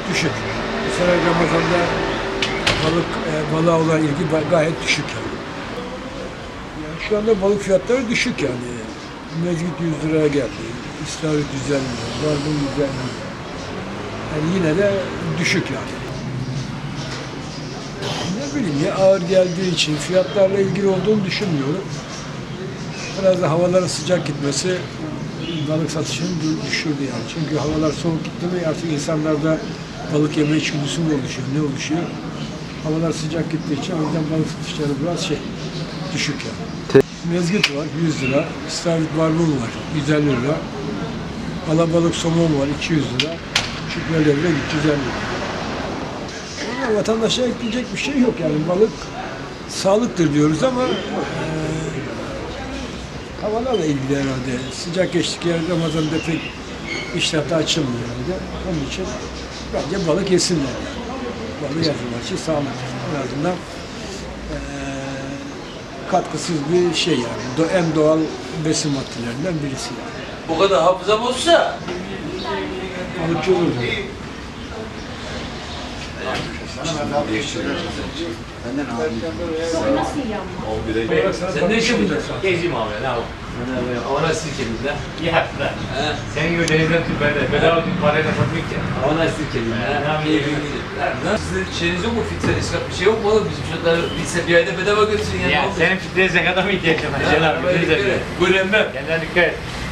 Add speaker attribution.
Speaker 1: düşük. Bu sene Ramazan'da balığa olan ilgi gayet düşük yani. Yani şu anda balık fiyatları düşük yani. Mezgit 100 liraya geldi. İstavrit 150 lira, barbun 150 lira. Yani yine de düşük yani. Ne bileyim ya, ağır geldiği için fiyatlarla ilgili olduğunu düşünmüyorum. Biraz da havaların sıcak gitmesi balık satışını düşürdü yani. Çünkü havalar soğuk gitti mi artık insanlarda balık yeme içgüdüsü mü oluşuyor, ne oluşuyor? Havalar sıcak gittiği için o yüzden balık satışları biraz düşük yani. Mezgit var 100 lira, istavrit barbun var 150 lira, alabalık somon var 200 lira, şükreli de 350 lira. Yani vatandaşa ekleyecek bir şey yok yani, balık sağlıktır diyoruz ama havalarla ilgili herhalde. Sıcak geçtik yer Ramazan'da pek iştahta açılmıyor herhalde. Onun için bence balık yesinler yani. Balık yazılmak için sağlıktır. En azından katkısız bir şey yani. En doğal besin maddelerinden birisi yani.
Speaker 2: O kadar hafızam olsa
Speaker 1: Balıkçı olur.
Speaker 2: sen ne işin burada?
Speaker 3: Gezeyim abi, ne yapayım?
Speaker 2: Havana sirkelinde.
Speaker 3: Ya lan. Senin gibi denizden tüp bende. Bedava bir parayla satmayık ya.
Speaker 2: Havana sirkelinde. Sizin şeyiniz yok mu? Filtre, israf bir şey yok mu oğlum? Bizim çocuklar bir ayda bedava götürsün yani.
Speaker 3: Ya senin filtreye zekata mı ihtiyacın var? Cenab-ı Filtre.
Speaker 2: Buyurun ben.
Speaker 3: Kendine dikkat et.